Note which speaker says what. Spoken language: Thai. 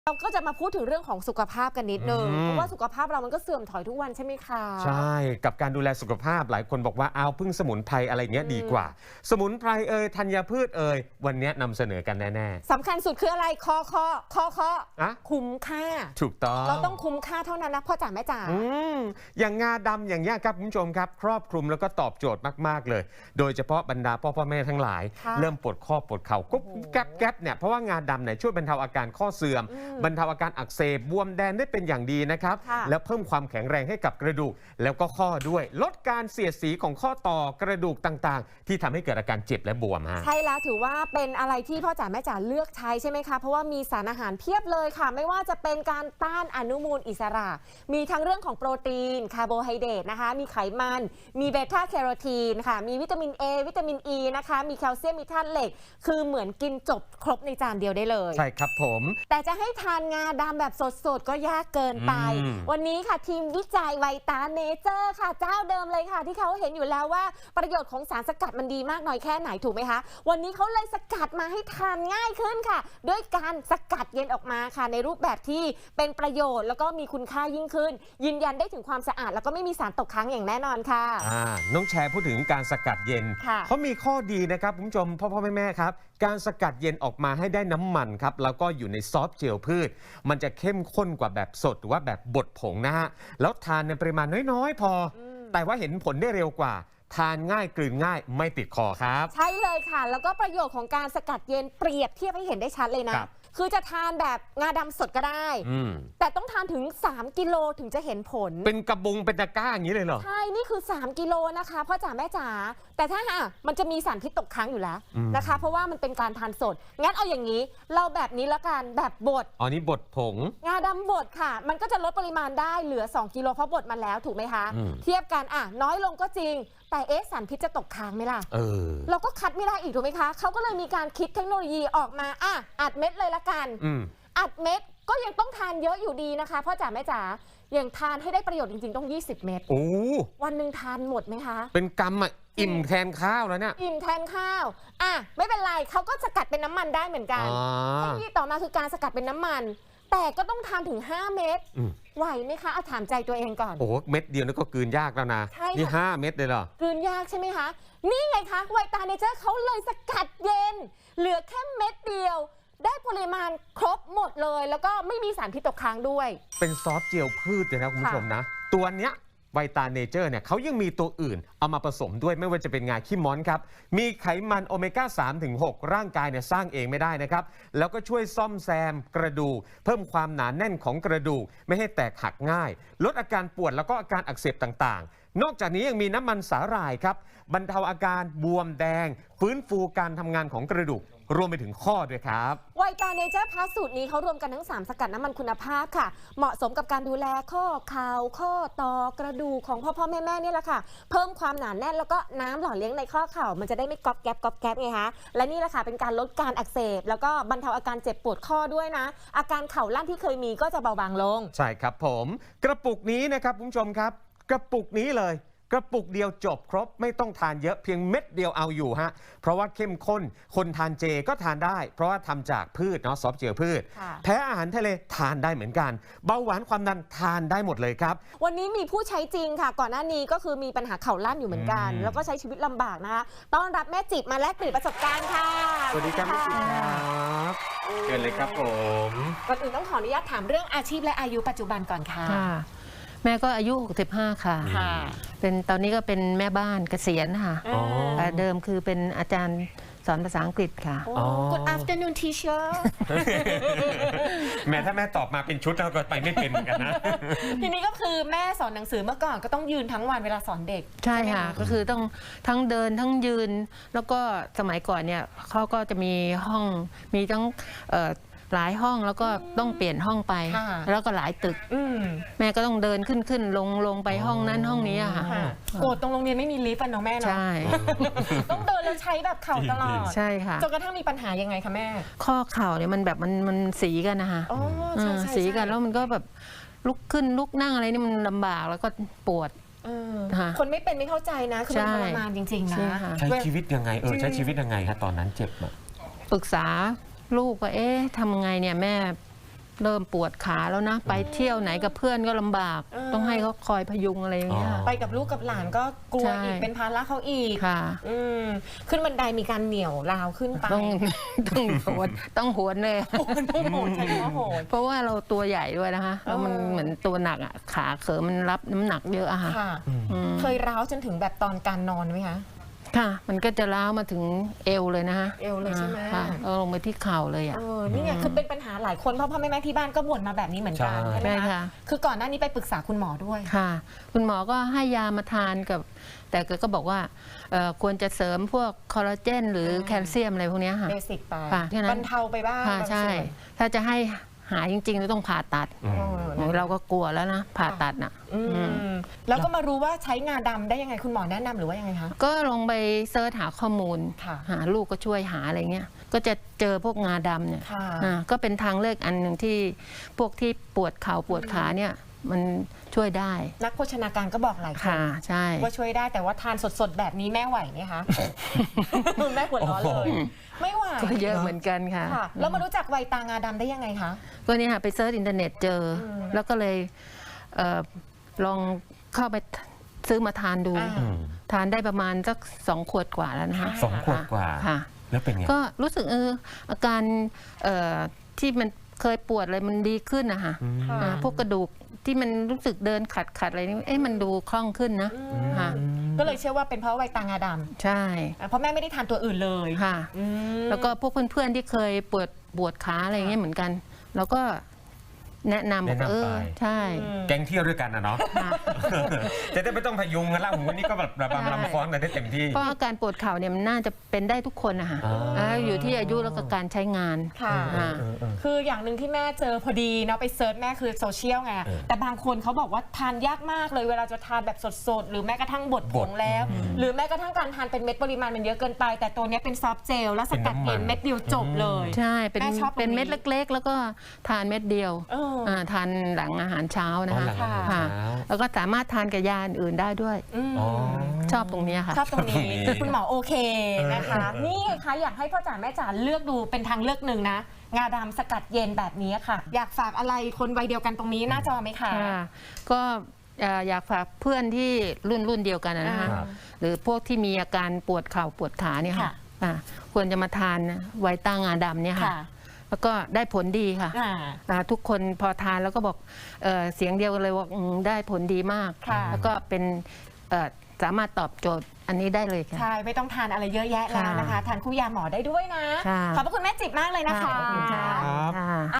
Speaker 1: เราก็จะมาพูดถึงเรื่องของสุขภาพกันนิดนึงเพราะว่าสุขภาพเรามันก็เสื่อมถอยทุกวันใช่ไหมคะ
Speaker 2: ใช่กับการดูแลสุขภาพหลายคนบอกว่าเอาพึ่งสมุนไพรอะไรเงี้ยดีกว่าสมุนไพรธัญพืชวันนี้นำเสนอกันแน่
Speaker 1: ๆสำคัญสุดคืออะไรคอคุ้มค่า
Speaker 2: ถูกต้อง
Speaker 1: เราต้องคุ้มค่าเท่านั้นนะพ่อจ๋าแม่จ๋า
Speaker 2: อย่างงาดำอย่างนี้ครับคุณผู้ชมครับครอบคลุมแล้วก็ตอบโจทย์มากๆเลยโดยเฉพาะบรรดาพ่อแม่ทั้งหลายเริ่มปวดข้อปวดเข่ากุ๊บแก๊บเนี่ยเพราะว่างาดำเนี่ยช่วยบรรเทาอาการข้อเสื่อมบรรเทาอาการอักเสบบวมแดงได้เป็นอย่างดีนะครับแล้วเพิ่มความแข็งแรงให้กับกระดูกแล้วก็ข้อด้วยลดการเสียดสีของข้อต่อกระดูกต่างๆที่ทำให้เกิดอาการเจ็บและบวมฮะ
Speaker 1: ใช่แล้วถือว่าเป็นอะไรที่พ่อจ๋าแม่จ๋าเลือกใช้ใช่ไหมคะเพราะว่ามีสารอาหารเพียบเลยค่ะไม่ว่าจะเป็นการต้านอนุมูลอิสระมีทั้งเรื่องของโปรตีนคาร์โบไฮเดรตนะคะมีไขมันมีเบต้าแคโรทีนค่ะมีวิตามิน A วิตามิน E นะคะมีแคลเซียมมีธาตุเหล็กคือเหมือนกินจบครบในจานเดียวได้เลย
Speaker 2: ใช่ครับผม
Speaker 1: แต่จะให้ทานงาดำแบบสดๆก็ยากเกินไปวันนี้ค่ะทีมวิจัยไวตาเนเจอร์ค่ะเจ้าเดิมเลยค่ะที่เขาเห็นอยู่แล้วว่าประโยชน์ของสารสกัดมันดีมากน้อยแค่ไหนถูกไหมคะวันนี้เขาเลยสกัดมาให้ทานง่ายขึ้นค่ะด้วยการสกัดเย็นออกมาค่ะในรูปแบบที่เป็นประโยชน์แล้วก็มีคุณค่ายิ่งขึ้นยืนยันได้ถึงความสะอาดแล้วก็ไม่มีสารตกค้างอย่างแน่นอนค่ะ
Speaker 2: น้องแชร์พูดถึงการสกัดเย็นเขามีข้อดีนะครับคุณผู้ชมพ่อแม่ครับการสกัดเย็นออกมาให้ได้น้ำมันครับแล้วก็อยู่ในซอฟต์เจลพืชมันจะเข้มข้นกว่าแบบสดหรือว่าแบบบดผงนะฮะแล้วทานในปริมาณน้อยๆพอแต่ว่าเห็นผลได้เร็วกว่าทานง่ายกลืนง่ายไม่ติดคอครับ
Speaker 1: ใช่เลยค่ะแล้วก็ประโยชน์ของการสกัดเย็นเปรียบเทียบให้เห็นได้ชัดเลยนะคือจะทานแบบงาดำสดก็ได้แต่ต้องทานถึง3กิโลถึงจะเห็นผล
Speaker 2: เป็นกระบุงเป็นตะกร้าอย่างนี้เลยเหรอ
Speaker 1: ใช่นี่คือ3กิโลนะคะพ่อจ๋าแม่จ๋าแต่ถ้ามันจะมีสารพิษตกค้างอยู่แล้วนะคะเพราะว่ามันเป็นการทานสดงั้นเอาอย่างนี้เราแบบนี้ละกันแบบบด
Speaker 2: อ๋อนี่บดผง
Speaker 1: งาดำบดค่ะมันก็จะลดปริมาณได้เหลือ2กิโลเพราะบดมาแล้วถูกไหมคะเทียบกันน้อยลงก็จริงแต่สารพิษจะตกค้างไหมล่ะเราก็คัดไม่ได้อีกถูกไหมคะเขาก็เลยมีการคิดเทคโนโลยีออกมาอัดเม็ดเลยละกันอัดเม็ดก็ยังต้องทานเยอะอยู่ดีนะคะพ่อจ๋าแม่จ๋าอย่างทานให้ได้ประโยชน์จริงๆต้อง20เม็ดวันหนึ่งทานหมดไหมคะ
Speaker 2: เป็นกำอิ่มแทนข้าวแล้วเนี่ย
Speaker 1: อิ่มแทนข้าวไม่เป็นไรเขาก็สกัดเป็นน้ำมันได้เหมือนกันเทคโนโลยีต่อมาคือการสกัดเป็นน้ำมันแต่ก็ต้องทานถึง5เม็ดไหวไหมคะถามใจตัวเองก่อน
Speaker 2: โอ้เม็ดเดียวนี่ก็กลืนยากแล้วนะนี่5เม็ดเลยเหรอก
Speaker 1: ลืนยากใช่ไหมคะนี่ไงคะไวตาเนเจอร์เขาเลยสกัดเย็นเหลือแค่เม็ดเดียวได้ปริมาณครบหมดเลยแล้วก็ไม่มีสารพิษตกค้างด้วย
Speaker 2: เป็นซอฟต์เจลพืชเลยนะคุณผู้ชมนะตัวเนี้ยไวตาเนเจอร์เนี่ยเขายังมีตัวอื่นเอามาผสมด้วยไม่ว่าจะเป็นงาขี้ม้อนครับมีไขมันโอเมก้า 3-6 ร่างกายเนี่ยสร้างเองไม่ได้นะครับแล้วก็ช่วยซ่อมแซมกระดูกเพิ่มความหนาแน่นของกระดูกไม่ให้แตกหักง่ายลดอาการปวดแล้วก็อาการอักเสบต่างๆนอกจากนี้ยังมีน้ำมันสาหร่ายครับบรรเทาอาการบวมแดงฟื้นฟูการทำงานของกระดูกรวมไปถึงข้อด้วยครับ
Speaker 1: ไวตาเนเจอร์พลัสสูตรนี้เขารวมกันทั้ง3สกัดน้ำมันคุณภาพค่ะเหมาะสมกับการดูแลข้อเข่าข้อต่อกระดูกของพ่อแม่นี่แหละค่ะเพิ่มความหนาแน่นแล้วก็น้ำหล่อเลี้ยงในข้อเข่ามันจะได้ไม่ก๊อบแก๊บไงคะและนี่แหละค่ะเป็นการลดการอักเสบแล้วก็บรรเทาอาการเจ็บปวดข้อด้วยนะอาการเข่าลั่นที่เคยมีก็จะเบาบางลง
Speaker 2: ใช่ครับผมกระปุกนี้นะครับคุณผู้ชมครับกระปุกนี้เลยกระปุกเดียวจบครบไม่ต้องทานเยอะเพียงเม็ดเดียวเอาอยู่ฮะเพราะว่าเข้มข้นคนทานเจก็ทานได้เพราะว่าทำจากพืชเนาะซอฟต์เจลพืชแพ้อาหารทะเลทานได้เหมือนกันเบาหวานความดันทานได้หมดเลยครับ
Speaker 1: วันนี้มีผู้ใช้จริงค่ะก่อนหน้านี้ก็คือมีปัญหาเข่าลั่นอยู่เหมือนกันแล้วก็ใช้ชีวิตลำบากนะคะต้อนรับแม่จิบมาแลกเปลี่ยนประสบการณ์ค่ะ
Speaker 2: สวัสดีครับแม่จิบครับเชิญเลยครับผม
Speaker 1: ก่อนอื่นต้องขออนุญาตถามเรื่องอาชีพและอายุปัจจุบันก่อนค่ะ
Speaker 3: แม่ก็อายุ65ค่ะเป็นตอนนี้ก็เป็นแม่บ้านเกษียณค่ะเดิมคือเป็นอาจารย์สอนภาษาอังกฤษค่ะ
Speaker 1: Good afternoon teacher
Speaker 2: แม่ถ้าแม่ตอบมาเป็นชุดเราก็ไปไม่เป็นเหมือนกันนะ
Speaker 1: ทีนี้ก็คือแม่สอนหนังสือเมื่อก่อนก็ต้องยืนทั้งวันเวลาสอนเด็ก
Speaker 3: ใช่ค่ะก็คือต้องทั้งเดินทั้งยืนแล้วก็สมัยก่อนเนี่ยเขาก็จะมีห้องมีทั้งหลายห้องแล้วก็ต้องเปลี่ยนห้องไปแล้วก็หลายตึกแม่ก็ต้องเดินขึ้นลงไปห้องนั้นห้องนี้ค่ะ
Speaker 1: โกรธตรงโรงเรียนไม่มีลิฟต์เนาะแม่เนาะ
Speaker 3: ใช่
Speaker 1: ต้องเดินแล้วใช้แบบเข่าตลอด
Speaker 3: ใช่ค่ะ
Speaker 1: จนกระทั่งมีปัญหายังไงคะแม่
Speaker 3: ข้อเข่าเนี่ยมันแบบมันสีกันนะคะสีกันแล้วมันก็แบบลุกขึ้นลุกนั่งอะไรนี่มันลำบากแล้วก็ปวด
Speaker 1: คนไม่เป็นไม่เข้าใจนะคือมันทรมานจริงๆนะ
Speaker 2: ใช้ชีวิตยังไงใช้ชีวิตยังไงคะตอนนั้นเจ็บ
Speaker 3: ปรึกษาลูกว่าทำไงเนี่ยแม่เริ่มปวดขาแล้วนะ ไปเที่ยวไหนกับเพื่อนก็ลำบาก ต้องให้เขาคอยพยุงอะไรอย่างเงี้ย
Speaker 1: ไปกับลูกกับหลานก็กลัว
Speaker 3: ใช่
Speaker 1: อีกเป็นภาระเขาอีก
Speaker 3: ค่ะ
Speaker 1: ขึ้นบันไดมีการเหนี่ยวราวขึ้นไป
Speaker 3: ต้องโหนเลย
Speaker 1: ต้องโหดใช่ไหมว่าโหด
Speaker 3: เพราะว่าเราตัวใหญ่ด้วยนะคะแล้วมันเหมือนตัวหนักอ่ะขาเขิมมันรับน้ำหนักเยอะอะค่ะ
Speaker 1: ค่ะ เคยร้าวจนถึงแบบตอนการนอนไหมคะ
Speaker 3: ค่ะ มันก็จะล้าวมาถึงเอวเลยนะคะ
Speaker 1: เอวเลยใช่ไหม
Speaker 3: ค่ะแล้วลงไปที่เข่าเลยอ่ะ
Speaker 1: นี่ไงคือเป็นปัญหาหลายคนเพราะพ่อแม่ที่บ้านก็บ่นมาแบบนี้เหมือนกัน
Speaker 2: ใช่
Speaker 1: ใช่ไหม
Speaker 3: ใช่
Speaker 1: คะ
Speaker 3: ค่ะ
Speaker 1: คือก่อนหน้านี้ไปปรึกษาคุณหมอด้วย
Speaker 3: ค่ะ คุณหมอก็ให้ยามาทานกับ แต่ก็บอกว่าควรจะเสริมพวกคอลลาเจนหรือแคลเซียมอะไรพวกเนี้ยค่ะ
Speaker 1: เบสิกไป
Speaker 3: ค่ะแค่นั้น
Speaker 1: บรรเทาไปบ้าง
Speaker 3: ค่ะ
Speaker 1: บาง
Speaker 3: ใช่
Speaker 1: ส่วน
Speaker 3: ถ้าจะให้หายจริงๆเราต้องผ่าตัด โอ้ยเราก็กลัวแล้วนะ ผ่าตัดน่ะ
Speaker 1: แล้วก็มารู้ว่าใช้งาดำได้ยังไงคุณหมอแนะนำหรือว่ายังไงคะ
Speaker 3: ก็ลงไปเซิร์ชหาข้อมูล
Speaker 1: ค่ะ
Speaker 3: หาลูกก็ช่วยหาอะไรเงี้ย ก็จะเจอพวกงาดำเนี่ย
Speaker 1: ค่ะ
Speaker 3: ก็เป็นทางเลือกอันหนึ่งที่พวกที่ปวดเข่าปวดขาเนี่ยมันช่วยได้
Speaker 1: นักโภชนาการก็บอกหลายคน
Speaker 3: ค่ะใช่
Speaker 1: ว่าช่วยได้แต่ว่าทานสดๆแบบนี้แม่ไหวไหมคะ แม่หัวเร้อนเลย ไม่ไหว
Speaker 3: ก็เยอะเหมือนกันค่ะ
Speaker 1: ค่ะ แล้วมารู้จักไวตางาดำได้ยังไงคะ
Speaker 3: ก็เนี่ยค่ะไปเซิร์ชอินเทอร์เน็ตเจออแล้วก็เลยลองเข้าไปซื้อมาทานดู ทานได้ประมาณสัก2 ขวดกว่าแล้วนะคะ
Speaker 2: 2 ขวดกว่า
Speaker 3: ค่ะ
Speaker 2: แล้วเป็นไง
Speaker 3: ก็รู้สึกอาการที่มันเคยปวดอะไรมันดีขึ้นนะคะ
Speaker 1: ค่ะ
Speaker 3: พวกกระดูกที่มันรู้สึกเดินขัดอะไรนี่มันดูคล่องขึ้นนะค่ะ
Speaker 1: ก็เลยเชื่อว่าเป็นเพราะไวตางาด
Speaker 3: ใช่
Speaker 1: ำเพราะแม่ไม่ได้ทานตัวอื่นเลย
Speaker 3: ค่ะ
Speaker 1: อืม
Speaker 3: แล้วก็พวกเพื่อนๆที่เคยปวดขาอะไรอย่างเงี้ยเหมือนกัน แล้วก็แนะนำบอก
Speaker 2: แนะนำไป
Speaker 3: ใช่
Speaker 2: แก๊งเที่ยวด้วยกันนะเนาะ
Speaker 3: ค่ะ
Speaker 2: จะได้ไม่ต้องพยุงกันละผมวันนี้ก็แบบระบำลำฟ้อนกันได้เต็มที่
Speaker 3: เพราะอาการปวดเข่าเนี่ยมันน่าจะเป็นได้ทุกคนนะคะ อยู่ที่อายุแล้วก็การใช้งาน
Speaker 1: ค่ะ คืออย่างหนึ่งที่แม่เจอพอดีเนาะไปเซิร์ชแม่คือโซเชียลไง แต่บางคนเขาบอกว่าทานยากมากเลยเวลาจะทานแบบสดๆ หรือแม้กระทั่งบดผงแล้ว หรือแม้กระทั่งการทานเป็นเม็ดปริมาณมันเยอะเกินไป แต่ตัวเนี้ยเป็นซอฟต์เจลแล้วสกัดเย็นเม็ดเดียวจบเลย
Speaker 3: ใช่เป็น
Speaker 1: แม่ชอบตรงนี้
Speaker 3: เป็นเม็ดเล็กๆ แล้วก็ทานเม็ดเดียว ทานหลังอาหารเช้านะ
Speaker 2: อ๋อ
Speaker 3: คะ
Speaker 2: หลังอาหาร
Speaker 3: ค่ะ
Speaker 2: เช้า
Speaker 3: แล้วก็สามารถทานกับยาอื่นได้ด้วย
Speaker 2: อ๋อ
Speaker 3: ชอบตรงเนี้ยค่ะ
Speaker 1: ชอบตรงนี้
Speaker 2: ชอบตรงนี้
Speaker 1: คุณหมอโอเคนะคะ นี่ค่ะอยากให้พ่อจ๋าแม่จ๋าเลือกดูเป็นทางเลือกหนึ่งนะ งาดำสกัดเย็นแบบนี้ค่ะ อยากฝากอะไรคนวัยเดียวกันตรงนี้หน้าจอไหมคะ
Speaker 3: ค่ะก็อยากฝากเพื่อนที่รุ่นเดียวกันนะคะ
Speaker 2: ครับ
Speaker 3: หรือพวกที่มีอาการปวดเข่าปวดขาเนี่ยค่ะ ควรจะมาทานไวต้างาดำเนี่ยค่ะ แล้วก็ได้ผลดีค่ะ ทุกคนพอทานแล้วก็บอกเสียงเดียวกันเลยว่าได้ผลดีมาก
Speaker 1: ค่ะ
Speaker 3: แล้วก็เป็นสามารถตอบโจทย์อันนี้ได้เลยค่ะ
Speaker 1: ใช่ ไม่ต้องทานอะไรเยอะแยะแล้วนะคะ ทานคู่ยาหมอได้ด้วยนะ
Speaker 3: ค่ะ
Speaker 1: ขอบพระคุณแม่จิบมากเลยนะคะ
Speaker 3: ขอบคุณค่ะ